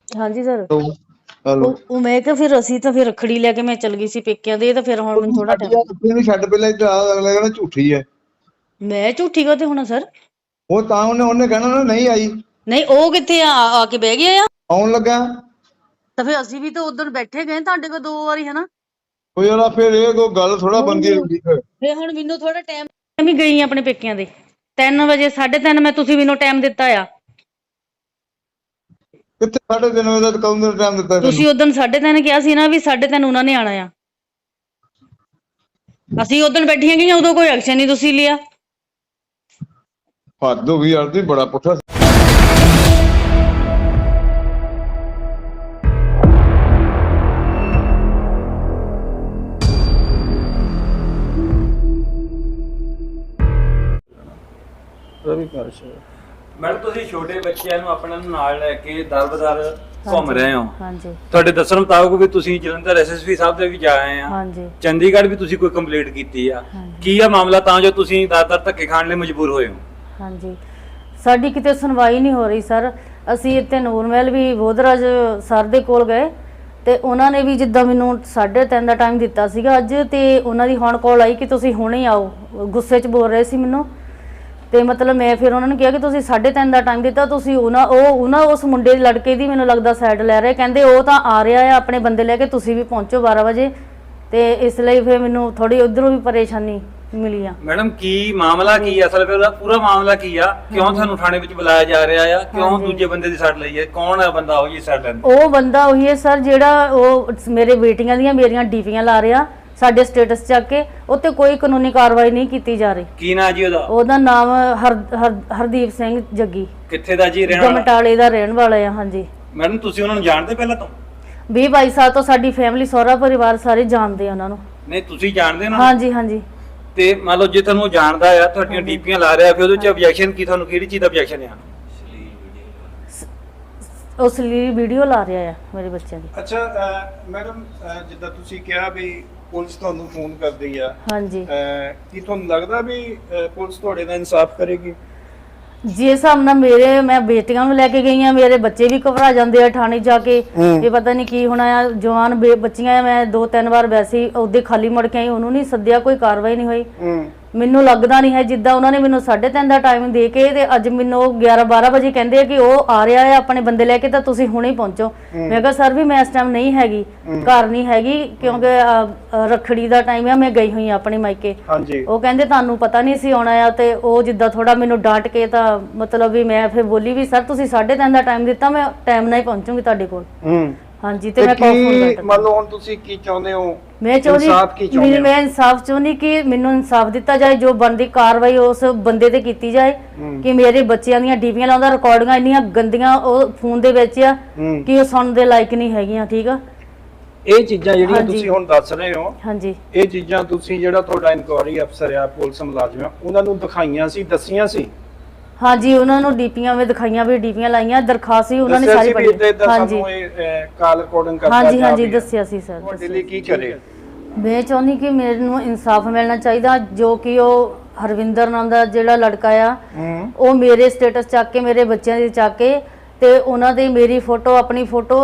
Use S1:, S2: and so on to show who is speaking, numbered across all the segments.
S1: ਹਾਂਜੀ sir.
S2: Hello.
S1: ਉਹ ਮੈਂ ਕਿਹਾ ਫਿਰ ਅਸੀਂ ਤਾਂ ਫਿਰ ਰੱਖੜੀ ਲੈ ਕੇ ਮੈਂ ਚਲ ਗਈ ਸੀ ਪੇਕਿਆਂ ਦੇ, ਤਾਂ ਫਿਰ ਹੁਣ ਮੈਨੂੰ ਥੋੜਾ
S2: ਸਾਡੀ
S1: ਟਾਈਮ।
S2: ਰੱਖੜੀ ਨੂੰ ਛੱਡ, ਪਹਿਲਾਂ ਇੱਧਰ ਆ, ਅਗਲਾ ਕਹਿੰਦਾ ਝੂਠੀ ਹੈ।
S1: ਮੈਂ ਝੂਠੀ ਕਾਹਤੇ ਹੋਣਾ ਸਰ?
S2: ਉਹ ਤਾਂ ਉਹਨੇ ਕਹਿਣਾ ਨਾ ਨਹੀਂ ਆਈ।
S1: ਨਹੀਂ, ਉਹ ਕਿੱਥੇ ਆ ਕੇ ਬਹਿ ਗਿਆ ਆ?
S2: ਆਉਣ ਲੱਗਾ
S1: ਤਾਂ ਫਿਰ ਅਸੀਂ ਵੀ ਤਾਂ ਉਦੋਂ ਬੈਠੇ ਗਏ ਤੁਹਾਡੇ ਕੋਲ 2 ਵਾਰੀ, ਹਨਾ?
S2: ਕੋਈ ਯਾਰ ਫਿਰ ਇਹ ਕੋਈ ਗੱਲ ਥੋੜਾ ਬਣਦੀ ਹੁੰਦੀ ਫਿਰ।
S1: ਹੁਣ ਮੈਨੂੰ ਥੋੜਾ ਟਾਈਮ ਵੀ ਗਈ ਆਪਣੇ ਪੇਕਿਆਂ ਦੇ 3 ਵਜੇ, 3:30 ਮੈਂ, ਤੁਸੀਂ ਮੈਨੂੰ ਟਾਈਮ ਦਿੱਤਾ ਆ।
S2: ਕਿੱਥੇ 3:30 ਵਜੇ ਦਾ ਕਦੋਂ ਦਾ ਟਾਈਮ ਦਿੱਤਾ ਤੈਨੂੰ?
S1: ਤੁਸੀਂ ਉਦੋਂ 3:30 ਕਿਹਾ ਸੀ ਨਾ ਵੀ 3:30 ਉਹਨਾਂ ਨੇ ਆਣਾ ਆ। ਅਸੀਂ ਉਦੋਂ ਬੈਠੀਆਂ ਗਈਆਂ, ਉਦੋਂ ਕੋਈ ਐਕਸ਼ਨ ਨਹੀਂ ਤੁਸੀਂ ਲਿਆ।
S2: ਹੱਦ ਹੋ ਗਈ ਯਾਰ, ਤੁਸੀਂ ਬੜਾ ਪੁੱਠਾ।
S3: ਮੈਡਮ ਤੁਸੀਂ ਛੋਟੇ ਬੱਚਿਆਂ ਨੂੰ ਆਪਣੇ ਨਾਲ ਲੈ ਕੇ ਦਰ-ਬਦਰ ਘੁੰਮ ਰਹੇ ਹੋ।
S1: ਹਾਂਜੀ
S3: ਤੁਹਾਡੇ ਦੱਸਣ ਮੁਤਾਬਕ ਵੀ ਤੁਸੀਂ ਜਲੰਧਰ ਐਸਐਸਪੀ ਸਾਹਿਬ ਦੇ ਵੀ ਜਾ ਆਏ ਆ।
S1: ਹਾਂਜੀ।
S3: ਚੰਡੀਗੜ੍ਹ ਵੀ ਤੁਸੀਂ ਕੋਈ ਕੰਪਲੀਟ ਕੀਤੀ ਆ। ਕੀ ਆ ਮਾਮਲਾ ਤਾਂ ਜੋ ਤੁਸੀਂ ਦਰ-ਦਰ ਧੱਕੇ ਖਾਣ ਲਈ ਮਜਬੂਰ ਹੋਏ ਹੋ?
S1: ਹਾਂਜੀ, ਸਾਡੀ ਕਿਤੇ ਸੁਣਵਾਈ ਨਹੀਂ ਹੋ ਰਹੀ ਸਰ। ਅਸੀਂ ਇੱਥੇ ਨੂਰਮਹਿਲ ਵੀ ਬੋਧਰਾਜ ਸਰ ਦੇ ਕੋਲ ਗਏ ਤੇ ਉਹਨਾਂ ਨੇ ਵੀ ਜਿੱਦਾਂ ਮੈਨੂੰ 3:30 ਦਾ ਟਾਈਮ ਦਿੱਤਾ ਸੀਗਾ ਅੱਜ, ਤੇ ਉਹਨਾਂ ਦੀ ਹੁਣ ਕਾਲ ਆਈ ਕਿ ਤੁਸੀਂ ਹੁਣੇ ਆਓ। ਗੁੱਸੇ 'ਚ ਬੋਲ ਰਹੇ ਸੀ ਮੈਨੂੰ, ਤੇ ਮਤਲਬ ਮੈਂ ਫਿਰ ਉਹਨਾਂ ਨੂੰ ਕਿਹਾ ਕਿ ਤੁਸੀਂ 3:30 ਦਾ ਟਾਈਮ ਦਿੱਤਾ, ਤੁਸੀਂ ਉਹਨਾਂ ਉਸ ਮੁੰਡੇ ਦੀ ਲੜਕੇ ਦੀ ਮੈਨੂੰ ਲੱਗਦਾ ਸਾਈਡ ਲੈ ਰਹੇ। ਕਹਿੰਦੇ ਉਹ ਤਾਂ ਆ ਰਿਹਾ ਆ ਆਪਣੇ ਬੰਦੇ ਲੈ ਕੇ, ਤੁਸੀਂ ਵੀ ਪਹੁੰਚੋ 12 ਵਜੇ। ਤੇ ਇਸ ਲਈ ਫਿਰ ਮੈਨੂੰ ਥੋੜੀ ਉਧਰੋਂ ਵੀ ਪਰੇਸ਼ਾਨੀ ਮਿਲੀ ਆ।
S3: ਮੈਡਮ ਕੀ ਮਾਮਲਾ ਕੀ ਆ? ਅਸਲ ਵਿੱਚ ਪੂਰਾ ਮਾਮਲਾ ਕੀ ਆ? ਕਿਉਂ ਤੁਹਾਨੂੰ ਥਾਣੇ ਵਿੱਚ ਬੁਲਾਇਆ ਜਾ ਰਿਹਾ ਆ? ਕਿਉਂ ਦੂਜੇ ਬੰਦੇ ਦੀ ਸੱਟ ਲਈ ਹੈ? ਕੌਣ ਹੈ ਬੰਦਾ ਉਹ ਜੀ ਸੱਟ ਲੈਂਦਾ?
S1: ਉਹ ਬੰਦਾ ਉਹੀ ਹੈ ਸਰ ਜਿਹੜਾ ਉਹ ਮੇਰੇ ਬੇਟੀਆਂ ਦੀਆਂ ਮੇਰੀਆਂ ਡੀਪੀਆਂ ਲਾ ਰਿਹਾ ਸਾਡੇ ਸਟੇਟਸ ਚੱਕ ਕੇ। ਉੱਤੇ ਕੋਈ ਕਾਨੂੰਨੀ ਕਾਰਵਾਈ ਨਹੀਂ ਕੀਤੀ ਜਾ ਰਹੀ।
S3: ਕੀ ਨਾਂ ਜੀ ਉਹਦਾ?
S1: ਉਹਦਾ ਨਾਮ ਹਰਦੀਪ ਸਿੰਘ ਜੱਗੀ।
S3: ਕਿੱਥੇ ਦਾ ਜੀ ਰਹਿਣ ਵਾਲਾ?
S1: ਗਮਟਾਲੇ ਦਾ ਰਹਿਣ ਵਾਲਾ ਆ। ਹਾਂਜੀ
S3: ਮੈਡਮ ਤੁਸੀਂ ਉਹਨਾਂ ਨੂੰ ਜਾਣਦੇ ਪਹਿਲਾਂ ਤੋਂ?
S1: 20-22 ਸਾਲ ਤੋਂ ਸਾਡੀ ਫੈਮਿਲੀ, ਸਹੁਰਾ ਪਰਿਵਾਰ ਸਾਰੇ ਜਾਣਦੇ ਆ ਉਹਨਾਂ ਨੂੰ।
S3: ਨਹੀਂ ਤੁਸੀਂ ਜਾਣਦੇ ਹੋ?
S1: ਹਾਂਜੀ ਹਾਂਜੀ।
S3: ਤੇ ਮੰਨ ਲਓ ਜੇ ਤੁਹਾਨੂੰ ਜਾਣਦਾ ਆ, ਤੁਹਾਡੀਆਂ ਡੀਪੀਆਂ ਲਾ ਰਿਹਾ, ਫਿਰ ਉਹਦੇ ਚ ਆਬਜੈਕਸ਼ਨ ਕੀ? ਤੁਹਾਨੂੰ ਕਿਹੜੀ ਚੀਜ਼ ਦਾ ਆਬਜੈਕਸ਼ਨ ਆ?
S1: ਉਸ ਲਈ ਵੀਡੀਓ ਲਾ ਰਿਹਾ ਆ ਮੇਰੇ ਬੱਚਿਆਂ ਦੀ।
S4: ਅੱਛਾ ਮੈਡਮ, ਜਿੱਦਾਂ ਤੁਸੀਂ ਕਿਹਾ ਵੀ ਪੁਲਿਸ ਤੁਹਾਨੂੰ ਫੋਨ ਕਰਦੀ ਆ,
S1: ਹਾਂਜੀ।
S4: ਕੀ ਤੁਹਾਨੂੰ ਲੱਗਦਾ ਵੀ ਪੁਲਿਸ ਤੁਹਾਡੇ ਨਾਲ ਇਨਸਾਫ ਕਰੇਗੀ?
S1: ਜਿਸ ਹਿਸਾਬ ਨਾਲ ਮੈਂ ਬੇਟੀਆਂ ਨੂੰ ਲੈ ਕੇ ਗਈ ਆ, ਮੇਰੇ ਬੱਚੇ ਵੀ ਘਬਰਾ ਜਾਂਦੇ ਆ ਥਾਣੇ ਜਾ ਕੇ। ਇਹ ਪਤਾ ਨਹੀਂ ਕੀ ਹੋਣਾ ਆ। ਜਵਾਨ ਬੱਚੀਆਂ ਆ, ਮੈਂ 2-3 ਵਾਰ ਵੈਸੇ ਹੀ ਉਹਦੇ ਖਾਲੀ ਮੁੜ ਕੇ ਆਈ, ਉਹਨੂੰ ਨਹੀਂ ਸੱਦਿਆ, ਕੋਈ ਕਾਰਵਾਈ ਨਹੀਂ ਹੋਈ। ਮੈਨੂੰ ਲੱਗਦਾ ਨਹੀਂ ਹੈ ਜਿੱਦਾਂ ਉਹਨਾਂ ਨੇ ਮੈਨੂੰ 3:30 ਦਾ ਟਾਈਮ ਦੇ ਕੇ ਤੇ ਅੱਜ ਮੈਨੂੰ 11-12 ਵਜੇ ਕਹਿੰਦੇ ਆ ਕਿ ਉਹ ਆ ਰਿਹਾ ਹੈ ਆਪਣੇ ਬੰਦੇ ਲੈ ਕੇ, ਤਾਂ ਤੁਸੀਂ ਹੁਣੇ ਪਹੁੰਚੋ। ਮੈਂ ਕਿਹਾ ਸਰ ਵੀ ਮੈਂ ਇਸ ਟਾਈਮ ਨਹੀਂ ਹੈਗੀ, ਘਰ ਨਹੀਂ ਹੈਗੀ, ਕਿਉਂਕਿ ਰੱਖੜੀ ਦਾ ਟਾਈਮ ਆ, ਮੈਂ ਗਈ ਹੋਈ ਆ ਆਪਣੇ ਮਾਇਕੇ। ਉਹ ਕਹਿੰਦੇ ਤੁਹਾਨੂੰ ਪਤਾ ਨਹੀਂ ਸੀ ਆਉਣਾ ਆ। ਤੇ ਉਹ ਜਿੱਦਾਂ ਥੋੜਾ ਮੈਨੂੰ ਡਾਂਟ ਕੇ, ਤਾਂ ਮਤਲਬ ਵੀ ਮੈਂ ਫਿਰ ਬੋਲੀ ਵੀ ਸਰ ਤੁਸੀਂ 3:30 ਦਾ ਟਾਈਮ ਦਿੱਤਾ, ਮੈਂ ਟਾਈਮ ਨਾਲ ਹੀ ਪਹੁੰਚੂਗੀ ਤੁਹਾਡੇ ਕੋਲ। ਹਾਂਜੀ। ਤੇ ਮੈਂ
S4: ਮੰਨ ਲਓ ਹੁਣ ਤੁਸੀਂ ਕੀ ਚਾਹੁੰਦੇ ਹੋ?
S1: ਮੈਂ ਇਨਸਾਫ ਚਾਹੁੰਦੀ ਕਿ ਮੈਨੂੰ ਇਨਸਾਫ ਦਿੱਤਾ ਜਾਏ, ਜੋ ਬਣਦੀ ਕਾਰਵਾਈ ਉਸ ਬੰਦੇ ਤੇ ਕੀਤੀ ਜਾਏ। ਕਿ ਮੇਰੇ ਬੱਚਿਆਂ ਦੀਆਂ ਡੀਪੀਆਂ ਲਾਉਂਦਾ, ਰਿਕਾਰਡਿੰਗਾਂ ਇੰਨੀਆਂ ਗੰਦੀਆਂ ਉਹ ਫੋਨ ਦੇ ਵਿੱਚ ਆ ਕਿ ਉਹ ਸੁਣਨ ਦੇ ਲਾਇਕ ਨਹੀਂ ਹੈਗੀਆਂ। ਠੀਕ ਆ,
S4: ਇਹ ਚੀਜ਼ਾਂ ਜਿਹੜੀਆਂ ਤੁਸੀਂ ਹੁਣ ਦੱਸ ਰਹੇ ਹੋ,
S1: ਹਾਂਜੀ,
S4: ਇਹ ਚੀਜ਼ਾਂ ਤੁਸੀਂ ਜਿਹੜਾ ਤੁਹਾਡਾ ਇਨਕੁਆਇਰੀ ਅਫਸਰ ਆ, ਪੁਲਿਸ ਮੁਲਾਜ਼ਮ ਆ, ਉਹਨਾਂ ਨੂੰ ਦਿਖਾਈਆਂ ਸੀ, ਦੱਸੀਆਂ ਸੀ?
S1: ਹਾਂਜੀ, ਉਹਨਾਂ ਨੂੰ ਡੀਪੀਆਂ ਵੀ ਦਿਖਾਈਆਂ, ਵੀ ਡੀਪੀਆਂ ਲਾਈਆਂ, ਦਰਖਾਸਤ ਵੀ ਉਹਨਾਂ ਨੇ ਸਾਰੀ ਪੜ੍ਹੀ।
S4: ਹਾਂਜੀ ਕਾਲ ਰਿਕਾਰਡਿੰਗ ਕਰਦਾ।
S1: ਹਾਂਜੀ ਹਾਂਜੀ ਦੱਸਿਆ ਸੀ ਸਰ।
S4: ਤੁਹਾਡੇ ਲਈ ਕੀ ਕਰੇ?
S1: ਮੈਂ ਚਾਹੁੰਦੀ ਕਿ ਮੈਨੂੰ ਇਨਸਾਫ ਮਿਲਣਾ ਚਾਹੀਦਾ। ਜੋ ਕਿ ਉਹ ਹਰਵਿੰਦਰ ਨਾਮ ਦਾ ਜਿਹੜਾ ਲੜਕਾ ਆ, ਉਹ ਮੇਰੇ ਸਟੇਟਸ ਚੱਕ ਕੇ, ਮੇਰੇ ਬੱਚਿਆਂ ਦੀ ਚੱਕ ਕੇ, ਤੇ ਉਹਨਾਂ ਦੇ ਮੇਰੀ ਫੋਟੋ, ਆਪਣੀ ਫੋਟੋ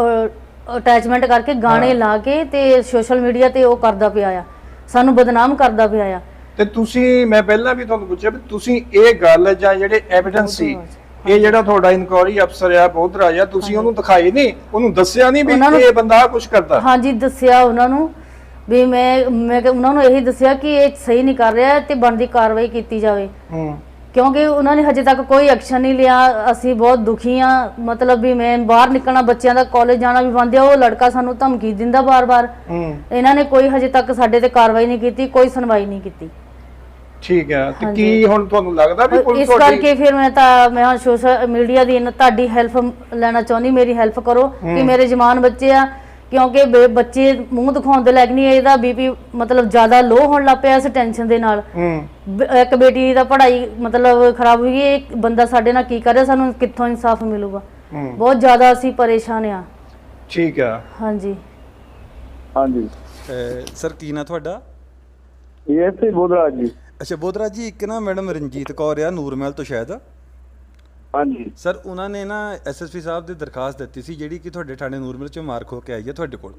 S1: ਅਟੈਚਮੈਂਟ ਕਰਕੇ ਗਾਣੇ ਲਾ ਕੇ ਤੇ ਸੋਸ਼ਲ ਮੀਡੀਆ ਤੇ ਉਹ ਕਰਦਾ ਪਿਆ ਆ, ਸਾਨੂੰ ਬਦਨਾਮ ਕਰਦਾ ਪਿਆ ਆ।
S4: ਤੇ ਤੁਸੀਂ, ਮੈਂ ਪਹਿਲਾਂ ਵੀ ਤੁਹਾਨੂੰ ਪੁੱਛਿਆ ਵੀ ਤੁਸੀਂ ਇਹ ਗੱਲ ਜਾਂ ਜਿਹੜੇ ਐਵੀਡੈਂਸ ਸੀ, ਇਹ ਜਿਹੜਾ ਤੁਹਾਡਾ ਇਨਕੁਆਇਰੀ ਅਫਸਰ ਆ ਬੋਧਰਾਜ ਆ, ਤੁਸੀਂ ਉਹਨੂੰ ਦਿਖਾਏ ਨਹੀਂ? ਉਹਨੂੰ ਦੱਸਿਆ ਨਹੀਂ ਵੀ ਇਹ ਬੰਦਾ ਕੁਝ ਕਰਦਾ?
S1: ਹਾਂਜੀ ਦੱਸਿਆ ਉਹਨਾਂ ਨੂੰ ਵੀ ਮੈਂ ਉਹਨਾਂ ਨੂੰ ਇਹੀ ਦੱਸਿਆ ਕਿ ਇਹ ਸਹੀ ਨਹੀਂ ਕਰ ਰਿਹਾ ਤੇ ਬਣਦੀ ਕਾਰਵਾਈ ਕੀਤੀ ਜਾਵੇ। ਕਿਉਂਕਿ ਉਹਨਾਂ ਨੇ ਹਜੇ ਤੱਕ ਕੋਈ ਐਕਸ਼ਨ ਨਹੀਂ ਲਿਆ। ਅਸੀਂ ਬਹੁਤ ਦੁਖੀ ਆ। ਮਤਲਬ ਵੀ ਮੈਂ ਬਾਹਰ ਨਿਕਲਣਾ, ਬੱਚਿਆਂ ਦਾ ਕਾਲਜ ਜਾਣਾ ਵੀ ਬੰਦ ਆ। ਉਹ ਲੜਕਾ ਸਾਨੂੰ ਧਮਕੀ ਦਿੰਦਾ ਬਾਰ-ਬਾਰ। ਇਹਨਾਂ ਨੇ ਕੋਈ ਹਜੇ ਤੱਕ ਸਾਡੇ ਤੇ ਕਾਰਵਾਈ ਨਹੀਂ ਕੀਤੀ, ਕੋਈ ਸੁਣਵਾਈ ਨਹੀਂ ਕੀਤੀ।
S4: ਠੀਕ ਹੈ। ਤੇ ਕੀ ਹੁਣ ਤੁਹਾਨੂੰ ਲੱਗਦਾ ਵੀ ਪੁਲਿਸ
S1: ਇਸ ਕਰਕੇ ਫਿਰ ਮੈਂ ਸੋਸ਼ਲ ਮੀਡੀਆ ਦੀ ਤੁਹਾਡੀ ਹੈਲਪ ਲੈਣਾ ਚਾਹੁੰਦੀ, ਮੇਰੀ ਹੈਲਪ ਕਰੋ ਕਿ ਮੇਰੇ ਜਵਾਨ ਬੱਚੇ ਆ, ਕਿਉਂਕਿ ਬੱਚੇ ਮੂੰਹ ਦਿਖਾਉਣ ਦੇ ਲਾਇਕ ਨਹੀਂ। ਇਹਦਾ ਬੀਪੀ ਮਤਲਬ ਜ਼ਿਆਦਾ ਲੋ ਹੋਣ ਲੱਗ ਪਿਆ ਇਸ ਟੈਨਸ਼ਨ ਦੇ ਨਾਲ। ਇੱਕ ਬੇਟੀ ਦਾ ਪੜ੍ਹਾਈ ਮਤਲਬ ਖਰਾਬ ਹੋਈ। ਇਹ ਬੰਦਾ ਸਾਡੇ ਨਾਲ ਕੀ ਕਰ ਰਿਹਾ, ਸਾਨੂੰ ਕਿੱਥੋਂ ਇਨਸਾਫ ਮਿਲੂਗਾ? ਬਹੁਤ ਜ਼ਿਆਦਾ ਅਸੀਂ ਪਰੇਸ਼ਾਨ ਆ।
S4: ਠੀਕ ਆ।
S1: ਹਾਂਜੀ
S5: ਹਾਂਜੀ
S6: ਸਰ ਕੀ ਨਾਂ ਤੁਹਾਡਾ?
S5: ਇਹ ਬੋਧਰਾਜ ਜੀ।
S6: ਅੱਛਾ ਬੋਧਰਾਜ ਜੀ, ਇੱਕ ਨਾ ਮੈਡਮ ਰਣਜੀਤ ਕੌਰ ਆ ਨੂਰਮਹਿਲ ਤੋਂ ਸ਼ਾਇਦ,
S5: ਹਾਂਜੀ
S6: ਸਰ ਉਹਨਾਂ ਨੇ ਨਾ ਐਸਐਸਪੀ ਸਾਹਿਬ ਦੀ ਦਰਖਾਸਤ ਦਿੱਤੀ ਸੀ ਜਿਹੜੀ ਕਿ ਤੁਹਾਡੇ ਥਾਣੇ ਨੂਰਮਹਿਲ ਚੋਂ ਮਾਰ ਖੋ ਕੇ ਆਈ ਹੈ ਤੁਹਾਡੇ ਕੋਲ।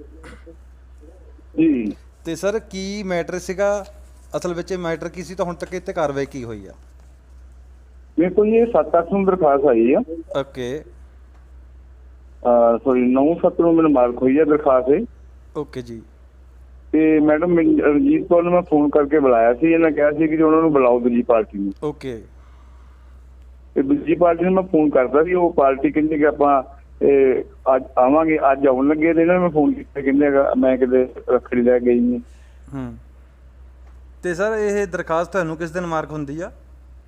S5: ਜੀ
S6: ਤੇ ਸਰ ਕੀ ਮੈਟਰ ਸੀਗਾ ਅਸਲ ਵਿੱਚ, ਇਹ ਮੈਟਰ ਕੀ ਸੀ ਤਾਂ ਹੁਣ ਤੱਕ ਇੱਥੇ ਕਾਰਵਾਈ ਕੀ ਹੋਈ ਆ?
S5: ਮੇਰੇ ਕੋਲ ਇਹ 7-8 ਨੂੰ ਦਰਖਾਸਤ ਆਈ ਆ।
S6: ਓਕੇ
S5: ਸੌਰੀ 9-7 ਨੂੰ ਮੈਨੂੰ ਮਾਰਕ ਹੋਈ ਆ ਦਰਖਾਸਤ ਇਹ।
S6: ਓਕੇ ਜੀ।
S5: ਤੇ ਮੈਡਮ ਰਣਜੀਤ ਕੌਰ ਨੂੰ ਮੈਂ ਫੋਨ ਕਰਕੇ ਬੁਲਾਇਆ ਸੀ, ਇਹਨਾਂ ਕਿਹਾ ਸੀ ਕਿ ਉਹਨਾਂ ਨੂੰ ਬੁਲਾਓ ਦੂਜੀ ਪਾਰਟੀ ਨੂੰ।
S6: ਓਕੇ
S5: ਤੇ ਦੂਜੀ ਪਾਰਟੀ ਨੂੰ ਮੈਂ ਫੋਨ ਕਰਦਾ ਸੀ, ਉਹ ਪਾਰਟੀ ਕਹਿੰਦੀ ਕਿ ਆਪਾਂ ਅੱਜ ਆਵਾਂਗੇ, ਅੱਜ ਆਉਣ ਲੱਗੇ। ਤੇ ਇਹਨਾਂ ਨੂੰ ਮੈਂ ਫੋਨ ਕੀਤਾ, ਕਹਿੰਦੇ ਮੈਂ ਕਿਤੇ ਰੱਖੜੀ ਲੈ ਗਈ ਹਾਂ।
S6: ਤੇ ਸਰ ਇਹ ਦਰਖਾਸਤ ਤੁਹਾਨੂੰ ਕਿਸ ਦਿਨ ਮਾਰਕ ਹੁੰਦੀ ਆ?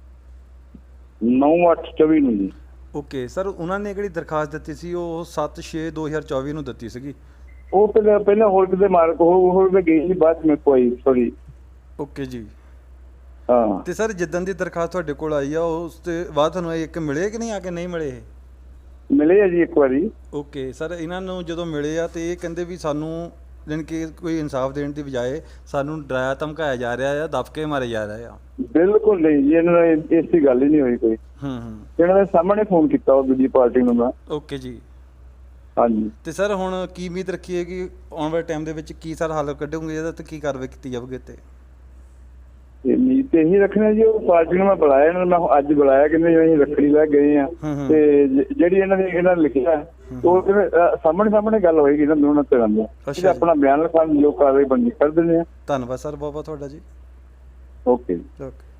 S5: 9/8/24 ਨੂੰ ਜੀ।
S6: ਓਕੇ ਸਰ, ਉਹਨਾਂ ਨੇ ਕਿਹੜੀ ਦਰਖਾਸਤ ਦਿੱਤੀ ਸੀ ਉਹ 7/6/2024 ਨੂੰ ਦਿੱਤੀ ਸੀਗੀ।
S5: ਉਹ ਪਹਿਲਾਂ ਹੋਰ ਕਿਤੇ ਮਾਰਕ ਹੋਰ ਤੇ ਗਈ ਸੀ, ਬਾਅਦ ਵਿੱਚ ਕੋਈ ਸੌਰੀ।
S6: ਓਕੇ ਜੀ।
S5: ਹਾਂ
S6: ਤੇ ਸਰ ਜਿੱਦਣ ਦੀ ਦਰਖਾਸਤ ਤੁਹਾਡੇ ਕੋਲ ਆਈ ਆ ਉਸ ਤੋਂ ਬਾਅਦ ਤੁਹਾਨੂੰ ਇਹ ਇੱਕ ਮਿਲੇ ਕਿ ਨਹੀਂ ਆ ਕੇ ਨਹੀਂ ਮਿਲੇ ਇਹ?
S5: ਮਿਲੇ ਆ ਜੀ ਇੱਕ ਵਾਰੀ।
S6: ਓਕੇ ਸਰ, ਇਹਨਾਂ ਨੂੰ ਜਦੋਂ ਮਿਲੇ ਆ ਤੇ ਇਹ ਕਹਿੰਦੇ ਵੀ ਸਾਨੂੰ ਜਾਣੀ ਕਿ ਕੋਈ ਇਨਸਾਫ ਦੇਣ ਦੀ ਬਜਾਏ ਸਾਨੂੰ ਡਰਾਇਆ ਧਮਕਾਇਆ ਜਾ ਰਿਹਾ ਆ, ਦਬਕੇ ਮਾਰੇ ਜਾ ਰਹੇ ਆ।
S5: ਬਿਲਕੁਲ ਨਹੀਂ ਜੀ, ਇਹਨਾਂ ਨਾਲ ਐਸੀ ਗੱਲ ਹੀ ਨਹੀਂ ਹੋਈ ਕੋਈ। ਇਹਨਾਂ ਦੇ ਸਾਹਮਣੇ ਫੋਨ ਕੀਤਾ ਉਹ ਦੂਜੀ ਪਾਰਟੀ ਨੂੰ ਮੈਂ।
S6: ਓਕੇ ਜੀ।
S5: ਹਾਂਜੀ
S6: ਤੇ ਸਰ ਹੁਣ ਕੀ ਉਮੀਦ ਰੱਖੀਏ ਕਿ ਆਉਣ ਵਾਲੇ ਟਾਈਮ ਦੇ ਵਿੱਚ ਕੀ ਸਰ ਹੱਲ ਕੱਢੋਗੇ ਇਹਦਾ ਤੇ ਕੀ ਕਾਰਵਾਈ ਕੀਤੀ ਜਾਵੇਗੀ ਤੇ?
S5: ਉਮੀਦ ਤੇ ਇਹੀ ਰੱਖਣਾ ਜੀ, ਉਹ ਪਾਰਟੀ ਨੂੰ ਮੈਂ ਬੁਲਾਇਆ, ਇਹਨਾਂ ਨੂੰ ਮੈਂ ਅੱਜ ਬੁਲਾਇਆ, ਕਹਿੰਦੇ ਅਸੀਂ ਰੱਖੜੀ ਲੈ ਗਏ ਆ। ਤੇ ਜਿਹੜੀ ਇਹਨਾਂ ਨੇ ਲਿਖਿਆ ਉਹ ਸਾਹਮਣੇ ਗੱਲ ਹੋਏਗੀ ਨਾ ਦੋਨਾਂ ਤਰ੍ਹਾਂ ਦੀ। ਅਸੀਂ ਆਪਣਾ ਬਿਆਨ ਲਿਖਾਉਣ ਜੋ ਕਾਰਵਾਈ ਬਣਦੀ ਕਰ ਦਿੰਦੇ ਆ।
S6: ਧੰਨਵਾਦ ਸਰ ਬਹੁਤ ਬਹੁਤ ਤੁਹਾਡਾ ਜੀ।
S5: Okay
S6: okay.